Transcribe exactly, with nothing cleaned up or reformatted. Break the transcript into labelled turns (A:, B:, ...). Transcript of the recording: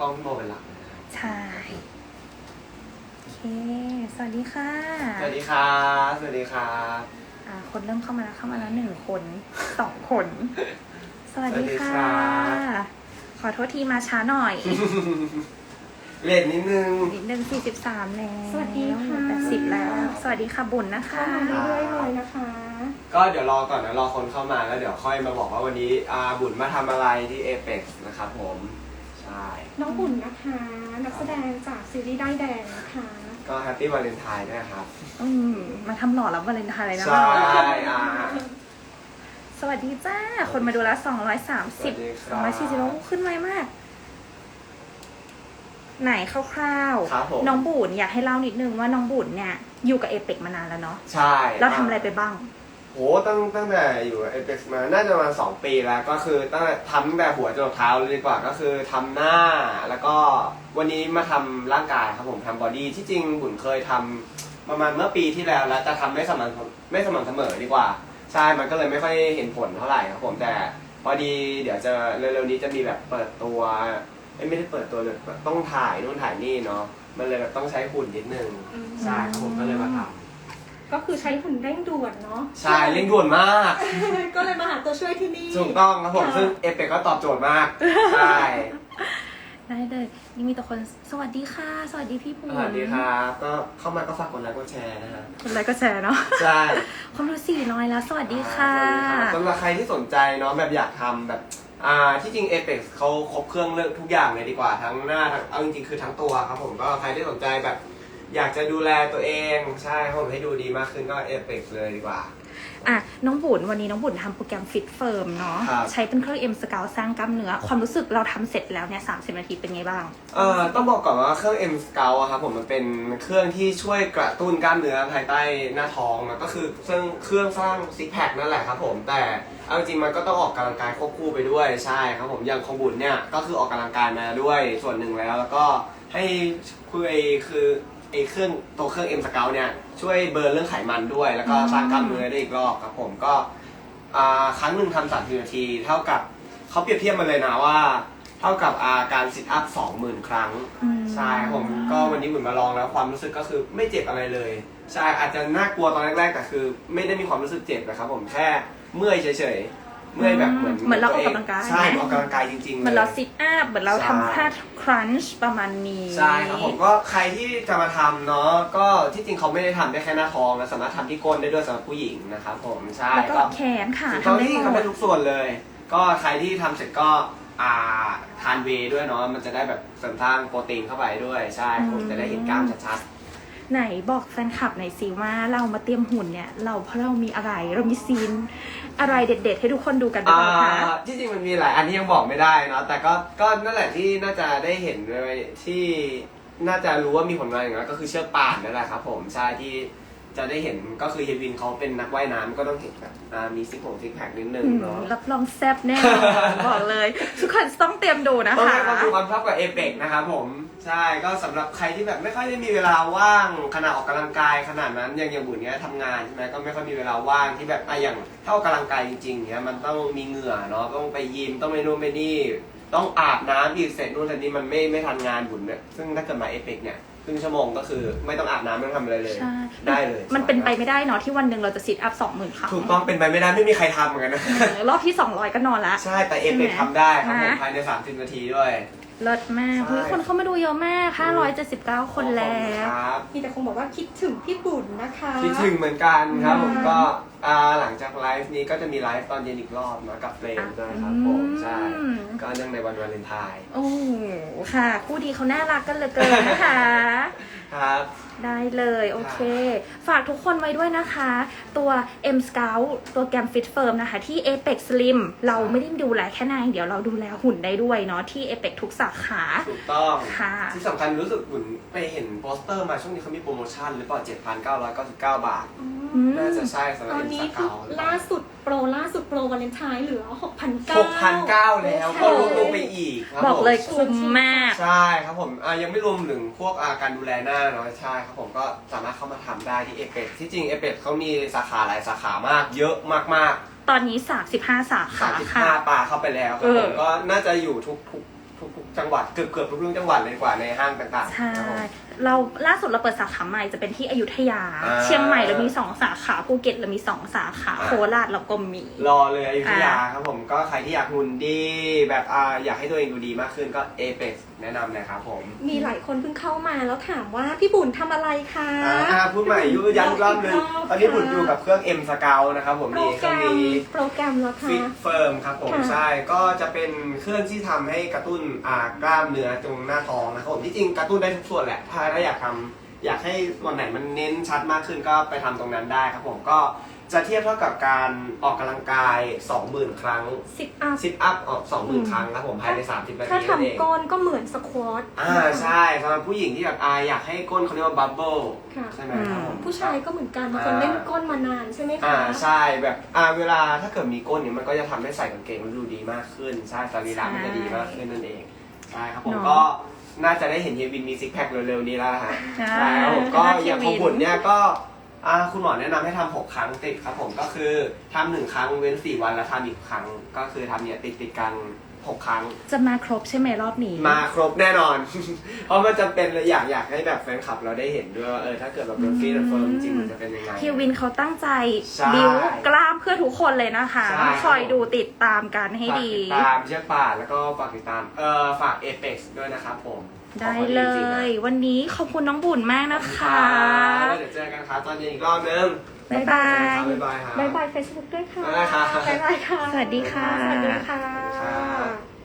A: ล้องพี่โมเป็นหลัก
B: ใช่โอเคสวัสดีค่ะ
A: สวัสดีครับสวัสดีครับ
B: อ่าคนเริ่มเข้ามาแล้วเข้ามาแล้วหนึ่งคนสองคนสวัสดีค่ะขอโทษทีมาช้าหน่อย
A: เลทนิดนึง
B: นิดนึงสี่สิบสามแล้ว
C: สวัสดีค่ะ
B: แปดสิบแล้วสวัสดีค่ะบุญนะคะ
C: เข้ามาเรื่อยๆเลยนะคะ
A: ก็เดี๋ยวรอก่อนนะรอคนเข้ามาแล้วเดี๋ยวค่อยมาบอกว่าวันนี้อาบุญมาทำอะไรที่ Apex นะครับผมใช่
C: น้องบุญนะคะนักแสดงจากซีรีส์ได้แดงนะคะ
A: ก็แฮปปี้วาเลนไทน์ด้วยครับ
B: อืมมาทำหล่อรับวาเลนไทน์เลยนะ
A: ใช่อ่า
B: สวัสดีจ้าคนมาดูแล้วสองร้อยสามสิบสองร้อยสี่สิบขึ้นไวมากไหนคร่าวๆน้องบุญอยากให้เล่านิดนึงว่าน้องบุญเนี่ยอยู่กับเอเปกมานานแล้วเนาะ
A: ใช่
B: แล้วทำอะไรไปบ้าง
A: โหตั้งตั้งแต่อยู่กับเอเปกมาน่าจะมาสองปีแล้วก็คือตั้งแต่ทำตั้งแต่หัวจนเท้าเลยดีกว่าก็คือทำหน้าแล้วก็วันนี้มาทำร่างกายครับผมทำบอดี้ที่จริงบุญเคยทำประมาณเมื่อปีที่แล้วแล้วจะทำไม่สม่ำไม่สม่ำเสมอดีกว่าใช่มันก็เลยไม่ค่อยเห็นผลเท่าไหร่ครับผมแต่พอดีเดี๋ยวจะเร็วๆนี้จะมีแบบเปิดตัวไม่ได้เปิดตัวเลยต้องถ่ายนู่นถ่ายนี่เนาะมันเลยแบบต้องใช้หุ่นนิดนึงใช่ครับผมก็เลยมาทำ
C: ก็คือใช้หุ่นเร่งด่วนเนาะ
A: ใช่เร่งด่วนมาก
C: ก็เลยมาหาตัวช่วยที่นี่
A: ถูกต้องครับผมซึ่งเอเปกก็ตอบโจทย์มากใช่
B: ได้เลยนี่มีแต่คนสวัสดีค่ะสวัสดีพี่ปู
A: สวัสดีครับก็เข้ามาก็ฝากกดไลค์กดแชร์นะฮะ
B: กดไลค์กดแชร์เนาะ
A: ใช่
B: คนดูสี่ร้อยแล้วสวัสดีค่ะ
A: สำหรับใครที่สนใจเนาะแบบอยากทำแบบอ่าที่จริง Apex เขาครบเครื่องเลือกทุกอย่างเลยดีกว่าทั้งหน้าทั้งเอาจริงๆคือทั้งตัวครับผมก็ใครที่สนใจแบบอยากจะดูแลตัวเองใช่ผมให้ดูดีมากขึ้นก็ Apex เลยดีกว่า
B: อ่ะน้องบุญวันนี้น้องบุญทำโปรแกรม Fit Firm เนาะใช้เป็นเครื่อง M Scout สร้างกล้ามเนื้อความรู้สึกเราทำเสร็จแล้วเนี่ยสามสิบนาทีเป็นไงบ้าง
A: เอ่อต้องบอกก่อนว่าเครื่อง M Scout อะครับผมมันเป็นเครื่องที่ช่วยกระตุ้นกล้ามเนื้อภายใต้หน้าท้องนะก็คือเครื่องเครื่องสร้างซิกแพคนั่นแหละครับผมแต่เอาจริงมันก็ต้องออกกำลังกายควบคู่ไปด้วยใช่ครับผมอย่างของบุญเนี่ยก็คือออกกำลังกายมาด้วยส่วนหนึ่งแล้วแล้วก็ให้คือไอคือไอเครื่องตัวเครื่อง M Scout เนี่ยช่วยเบิร์นเรื่องไขมันด้วยแล้วก็สร้างกล้ามเนื้อได้อีกรอบครับผมก็ครั้งหนึ่งทำสามสิบนาทีเท่ากับเขาเปรียบเทียบมาเลยนะว่าเท่ากับการซิทอัพสองหมื่นครั้งใช่ครับผมก็วันนี้บุญมาลองแล้วความรู้สึกก็คือไม่เจ็บอะไรเลยใช่อาจจะน่ากลัวตอนแรกๆแต่คือไม่ได้มีความรู้สึกเจ็บนะครับผมแค่เมื่อยเฉยๆเมื่อยแบบเหมือน
B: เหมือนเราออกกำลังกาย
A: ใช่ออกกำลังกายจริงๆ
B: เหมือนเราซิทอัพเหมือนเราทำท่าครันช์ประมาณนี้
A: ใช่ครับผมก็ใครที่จะมาทำเนาะก็ที่จริงเขาไม่ได้ทำได้แค่หน้าท้องนะสามารถทำที่ก้นได้ด้วยสำหรับผู้หญิงนะครับผมใช่
B: แล้วก็แขนขา
A: ทำได้ทำได้ทุกส่วนเลยก็ใครที่ทำเสร็จก็อ่าทานเวย์ด้วยเนาะมันจะได้แบบเสริมสร้างโปรตีนเข้าไปด้วยใช่ผมจะได้เห็นกล้ามชัด
B: ๆไหนบอกแฟนคลับหน่อยสิว่าเรามาเตรียมหุ่นเนี่ยเราเพราะเรามีอะไรเรามีซีนอะไรเด็ดๆให้ทุกคนดูกันบ้างคะ
A: ที่จริงมันมีหลายอันที่ยังบอกไม่ได้เนาะแต่ก็ก็นั่นแหละที่น่าจะได้เห็นเลยที่น่าจะรู้ว่ามีผลงานอย่างนั้นก็คือเชือกป่านนั่นแหละครับผมใช่ที่จะได้เห็นก็คือเฮวินเขาเป็นนักว่ายน้ำก็ต้องเห็นแบบมีซิกผงซิกแพคนิดนึงเนาะ
B: รับรองแซ่บแน่บอกเลยทุกคนต้องเตรียมดูนะคะ
A: ต้องให้ความดูความชอบกับเอเปกนะครับผมใช่ก็สำหรับใครที่แบบไม่ค่อยได้มีเวลาว่างขณะออกกำลังกายขนาดนั้นอย่างอย่างบุญเนี้ยทำงานใช่ไหมก็ไม่ค่อยมีเวลาว่างที่แบบอ่ะอย่างถ้าออกกำลังกายจริงๆเนี้ยมันต้องมีเหงื่อเนาะต้องไปยิมต้องไปนู่นไปนี่ต้องอาบน้ำอีกเสร็จนู่นเสร็จนี่มันไม่ไม่ทันงานบุญเนี่ยซึ่งถ้าเกิดมาเอเปกเนี่ยครึ่งชั่วโมงก็คือไม่ต้องอาบน้ำไม่ต้องทำอะไรเลยได้เลย
B: มันเป็นไปไม่ได้เนาะที่วันหนึ่งเราจะซิทอัพสองหมื่นครั้ง
A: ถูกต้องเป็นไปไม่ได้ไม่มีใครทำเหมือนกันนะ
B: รอบที่สองร้อยก็นอนละ
A: ใช่แต่เอเปกทำได้ครับผมภายในสามสิบนาทีด้วย
B: เลิศมากทุกคนเข้ามาดูเยอะมากห้าร้อยเจ็ดสิบเก้าคนแล้ว
C: มีแต่คงบอกว่าคิดถึงพี่บุญนะคะ
A: คิดถึงเหมือนกันครับผมก็หลังจากไลฟ์นี้ก็จะมีไลฟ์ตอนเย็นอีกรอบนะกับเฟรมด้วยครับผมใช่ก็เนื่องในวันวาเลนไทน์
B: โอ้ค่ะคู่ดีเขาน่ารักกันเหลือเกินนะคะ
A: ครับ
B: ได้เลยโอเคฝากทุกคนไว้ด้วยนะคะตัว M Scout ตัวแกรม Fit Firm นะคะที่ Apex Slim เราไม่ได้ดูแลแค่นายเดี๋ยวเราดูแลหุ่นได้ด้วยเนาะที่ Apex ทุกสาขา
A: ถูกต้อง
B: ค่ะ
A: ที่สำคัญรู้สึกหุ่นไปเห็นโปสเตอร์มาช่วงนี้เขามีโปรโมชั่นหรือเปล่า เจ็ดพันเก้าร้อยเก้าสิบเก้า บาทน่าจะใช่สำหรับ M Scout
C: ล่าสุดโปรล่าสุดโปรวาเลนไทน์เหลือ หกพันเก้า
A: หกพันเก้าแล้วก็ลดลงไปอีกครับ
B: บอกเลยคุ้มมาก
A: ใช่ครับผมยังไม่รวมถึงพวกการดูแลหน้าเนาะใช่ครับผมก็สามารถเข้ามาทำได้ที่เอเปกที่จริงเอเปกเขามีสาขาหลายสาขามากเยอะมาก
B: ๆตอนนี้สามสิบห้าสาขา
A: สามสิบห้าปาเข้าไปแล้วครับผมก็น่าจะอยู่ทุกทุกทุกทุกจังหวัดเกือบเกือบทุกจังหวัดเลยกว่าในห้างต่างๆ
B: ใช่
A: ครับผม
B: เราล่าสุดเราเปิดสาขาใหม่จะเป็นที่อยุธยา
A: อ่า
B: เชียงใหม่เรามีสองสาขาภูเก็ตเรามีสองสาขา
A: อ่า
B: โคราชเราก็มี
A: รอเลยอยุธยา
B: อ่า
A: ครับผมก็ใครที่อยากหุ่นดีแบบอ่าอยากให้ตัวเองดูดีมากขึ้นก็ เอ เพ็กซ์ แนะนำนะครับผม
C: มีหลายคนเพิ่งเข้ามาแล้วถามว่าพี่บุญทำอะไรคะ
A: อ่าอ่าพูดใหม่ยุย้ำอีกรอบนึง
C: บอกอีกรอบ
A: ตอนนี้บุญอยู่กับเครื่อง M Scout นะครับผม
C: โปร
A: นี่เค
C: แกร
A: รื่อง
C: ม
A: นี้
C: โปรแกรมแล้วค่ะ
A: ฟิตเฟิร์มครับผม
C: ค่ะ
A: ใช่ก็จะเป็นเครื่องที่ทำให้กระตุ้นอ่ากล้ามเนื้อตรงหน้าท้องนะครับผมที่จริงกระตุ้นได้ทุกส่วนแหละถ้าถ้าอยากทำอยากให้ส่วนไหนมันเน้นชัดมากขึ้นก็ไปทำตรงนั้นได้ครับผมก็จะเทียบเท่ากับการออกกำลังกาย สองหมื่น ครั้ง
C: ซิทอัพ
A: ซิทอัพออก สองหมื่น
C: อืม
A: ครั้งครับผมภายในสามสิบนา
C: ถ้า
A: ทีนั่นเอง
C: ทำก้นก็เหมือนสควอต
A: อ่าใช่สำหรับผู้หญิงที่แบบอ่าอยากให้ก้นเขาเรียกว่าบับเบิล
C: ค่ะ
A: ใช่ไหมครับผม
C: ผู้ชายก็เหมือนกันบางคนเล่นก้นมานานใช่ไหม
A: อ่า
C: คะ
A: ใช่แบบอ่าเวลาถ้าเกิดมีก้นเนี่ยมันก็จะทำให้ใส่กางเกงมันดูดีมากขึ้นใช่สรีระมันจะดีมากขึ้นนั่นเองใช่ครับผม
B: เนอะ
A: ก็น่าจะได้เห็นเฮียวินมีซิกแพคเร็วๆนี้แล้วฮะ
B: ใช่
A: ใช่ครับผมก็
B: น่าจะ
A: อย่างของ
B: วิน
A: บุญเนี่ยก็อ่าคุณหมอแนะนำให้ทำหกครั้งติดครับผมก็คือทำหนึ่งครั้งเว้นสี่วันแล้วทำอีกครั้งก็คือทำเนี่ยติดติดๆกันหกครั้ง
B: จะมาครบใช่ไหมรอบนี้
A: มาครบแน่นอน เพราะมันจะเป็นเลยอยากอยากให้แบบแฟนคลับเราได้เห็นด้วยว่าเออถ้าเกิดแบบโดนฟีดเฟิร์มจริงๆมันจะเป็นยังไง
B: เฮียวินเขาตั้งใจ
A: ใช่
B: บิวกล้ามเพื่อทุกคนเลยนะคะ
A: ใช่
B: คอยดูติดตามกันให้
A: ฝาก
B: ดี
A: ติดตามเชือกป่านแล้วก็ฝากติดตามเอ่อฝาก เอ เพ็กซ์ ด้วยนะครับผม
B: ได้
A: ขอบคุณ
B: เล
A: จริงๆนะ
B: ย วันนี้ขอบคุณน้องบุญมากนะ
A: ขอบณ
B: คะ
A: รับแล้วเดี๋ยวเจอกันครับตอนเย็นอีกรอบนึง
B: บ๊ายบาย
A: บ๊ายบายครับ
C: บายบายเฟซบุ๊กด้วยค่ะ
A: บ๊ายบายครับ
C: บ๊ายบายค่ะ
B: สวัสดีค่ะ
C: สวัสดีค่ะ
A: ครับ